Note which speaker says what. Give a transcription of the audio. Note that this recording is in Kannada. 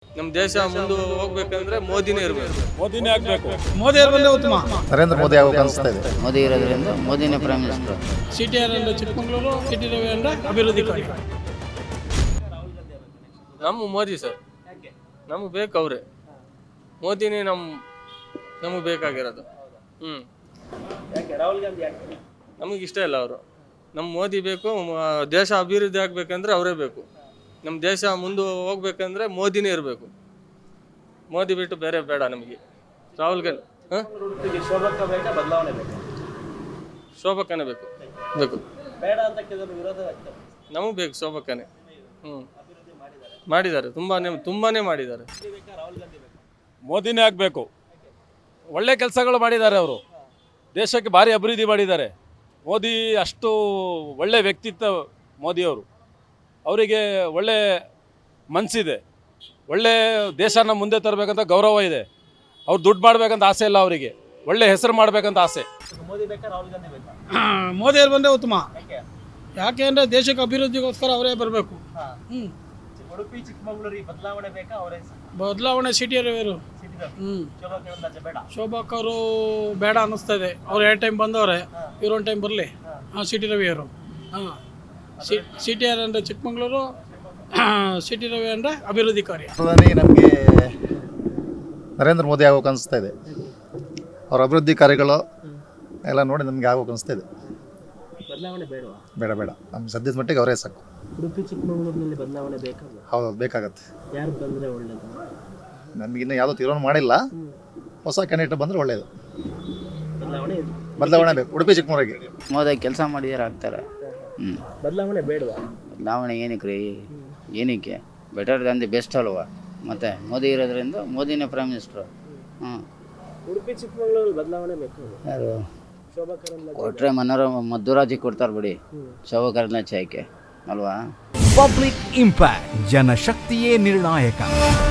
Speaker 1: ನಮ್ಮ ದೇಶ ಮುಂದೆ ಹೋಗ್ಬೇಕಂದ್ರೆ ಮೋದಿನೇ ಇರಬೇಕು.
Speaker 2: ಮೋದಿನೇ ಆಗಬೇಕು.
Speaker 3: ಮೋದಿ ಅವರು ಬಂದರೆ ಉತ್ತಮ.
Speaker 4: ನರೇಂದ್ರ ಮೋದಿ ಆಗಬೇಕು ಅನಿಸ್ತಾ ಇದೆ.
Speaker 5: ಮೋದಿ ಇರೋದ್ರಿಂದ ಮೋದಿನೇ ಪ್ರೈಮ್ ಮಿನಿಸ್ಟರ್.
Speaker 3: CTR ಅಂದರೆ ಚಿಕ್ಕಮಗಳೂರು, CT ರವಿ ಅಂದರೆ ಅಭಿವೃದ್ಧಿ ಕಾರ್ಯ.
Speaker 1: ನಮ್ಮ ಮೋದಿ ಸರ್, ನಮಗೆ ಬೇಕು ಅವರೇ. ಮೋದಿನೇ ನಮಗೆ ಬೇಕಾಗಿರೋದು. ನಮಗೆ ಇಷ್ಟ ಇಲ್ಲ ಅವರು. ನಮ್ಮ ಮೋದಿ ಬೇಕು. ದೇಶ ಅಭಿವೃದ್ಧಿ ಆಗ್ಬೇಕಂದ್ರೆ ಅವರೇ ಬೇಕು. ನಮ್ಮ ದೇಶ ಮುಂದೆ ಹೋಗ್ಬೇಕಂದ್ರೆ ಮೋದಿನೇ ಇರಬೇಕು. ಮೋದಿ ಬಿಟ್ಟು ಬೇರೆ ಬೇಡ ನಮಗೆ. ರಾಹುಲ್ ಗಾಂಧಿ ಶೋಭಕ್ಕನೇ ಬೇಕು ನಮಗೆ ಬೇಕು. ಶೋಭಕ್ಕನೇ ಮಾಡಿದ್ದಾರೆ, ತುಂಬಾನೇ ಮಾಡಿದ್ದಾರೆ.
Speaker 2: ಮೋದಿನೇ ಆಗಬೇಕು. ಒಳ್ಳೆ ಕೆಲಸಗಳು ಮಾಡಿದ್ದಾರೆ ಅವರು. ದೇಶಕ್ಕೆ ಭಾರಿ ಅಭಿವೃದ್ಧಿ ಮಾಡಿದ್ದಾರೆ. ಮೋದಿ ಅಷ್ಟು ಒಳ್ಳೆ ವ್ಯಕ್ತಿತ್ವ ಮೋದಿಯವರು. ಅವರಿಗೆ ಒಳ್ಳೆ ಮನಸ್ಸಿದೆ. ಒಳ್ಳೆ ದೇಶನ ಮುಂದೆ ತರಬೇಕಂತ ಗೌರವ ಇದೆ. ಅವ್ರು ದುಡ್ಡು ಮಾಡಬೇಕಂತ ಆಸೆ ಇಲ್ಲ ಅವರಿಗೆ. ಒಳ್ಳೆ ಹೆಸರು ಮಾಡಬೇಕಂತ ಆಸೆ.
Speaker 3: ಮೋದಿ ಅವರು ಬಂದರೆ ಉತ್ತಮ. ಯಾಕೆ ಅಂದರೆ ದೇಶಕ್ಕೆ ಅಭಿವೃದ್ಧಿಗೋಸ್ಕರ ಅವರೇ ಬರಬೇಕು.
Speaker 6: ಉಡುಪಿ ಚಿಕ್ಕಮಗಳೂರಿಗೆ ಬದಲಾವಣೆ ಬೇಕಾ?
Speaker 3: ಬದಲಾವಣೆ CT ರವಿಯವರು. ಶೋಭಾಕರು ಬೇಡ ಅನ್ನಿಸ್ತಾ ಇದೆ. ಅವ್ರು 2 ಟೈಮ್ ಬಂದವ್ರೆ, ಇವ್ರು 1 ಟೈಮ್ ಬರಲಿ. CT ರವಿಯವರು. CTR ಅಂದರೆ ಚಿಕ್ಕಮಗಳೂರು, CT ರವಿ ಅಂದರೆ ಅಭಿವೃದ್ಧಿ ಕಾರ್ಯ.
Speaker 4: ಪ್ರಧಾನಿ ನಮಗೆ ನರೇಂದ್ರ ಮೋದಿ ಆಗಬೇಕು ಅನಿಸ್ತಾ ಇದೆ. ಅವ್ರ ಅಭಿವೃದ್ಧಿ ಕಾರ್ಯಗಳು ಎಲ್ಲ ನೋಡಿ ನಮಗೆ ಆಗಬೇಕು ಅನಿಸ್ತಾ ಇದೆ.
Speaker 6: ಬದಲಾವಣೆ ಬೇಡವಾ?
Speaker 4: ಬೇಡ. ನಮ್ಗೆ ಸದ್ಯದ ಮಟ್ಟಿಗೆ ಅವರೇ ಸಾಕು.
Speaker 6: ಉಡುಪಿ ಚಿಕ್ಕಮಗಳೂರಿನಲ್ಲಿ ಬದಲಾವಣೆ ಬೇಕಾಗ?
Speaker 4: ಹೌದು, ಬೇಕಾಗತ್ತೆ.
Speaker 6: ಯಾರು ಬಂದರೆ ಒಳ್ಳೇದು?
Speaker 4: ನಮಗಿನ್ನೂ ಯಾವುದೋ ತೀರ್ಮಾನ ಮಾಡಿಲ್ಲ. ಹೊಸ ಕ್ಯಾಂಡಿಡೇಟ್ ಬಂದರೆ ಒಳ್ಳೆಯದು.
Speaker 6: ಬದಲಾವಣೆ
Speaker 4: ಬೇಕು ಉಡುಪಿ ಚಿಕ್ಕಮಗಳೂರಿಗೆ.
Speaker 5: ಮೋದಿ ಕೆಲಸ ಮಾಡಿದಾರೆ ಆಗ್ತಾರೆ.
Speaker 6: ಬದಲಾವಣೆ ಬೇಡವಾ?
Speaker 5: ಬದಲಾವಣೆ ಏನಕ್ಕೆ ರೀ? ಏನಕ್ಕೆ? ಬೆಟರ್ ದ್ಯಾನ್ ದಿ ಬೆಸ್ಟ್ ಅಲ್ವಾ? ಮತ್ತು ಮೋದಿ ಇರೋದ್ರಿಂದ ಮೋದಿನೇ ಪ್ರೈಮ್ ಮಿನಿಸ್ಟ್ರು.
Speaker 6: ಉಡುಪಿ ಚಿಕ್ಕಮಗಳೂರಲ್ಲಿ ಬದಲಾವಣೆ ಬೇಕು.
Speaker 5: ಯಾರು
Speaker 6: ಶೋಭಾ
Speaker 5: ಕೊಟ್ಟರೆ ಮಧುರಾಜಿ ಕೊಡ್ತಾರೆ ಬಿಡಿ. ಶೋಭಾ ಕರಂದ್ಲಾಜೆ ಆಯ್ಕೆ ಅಲ್ವಾ?
Speaker 7: ಪಬ್ಲಿಕ್ ಇಂಪ್ಯಾಕ್ಟ್, ಜನಶಕ್ತಿಯೇ ನಿರ್ಣಾಯಕ.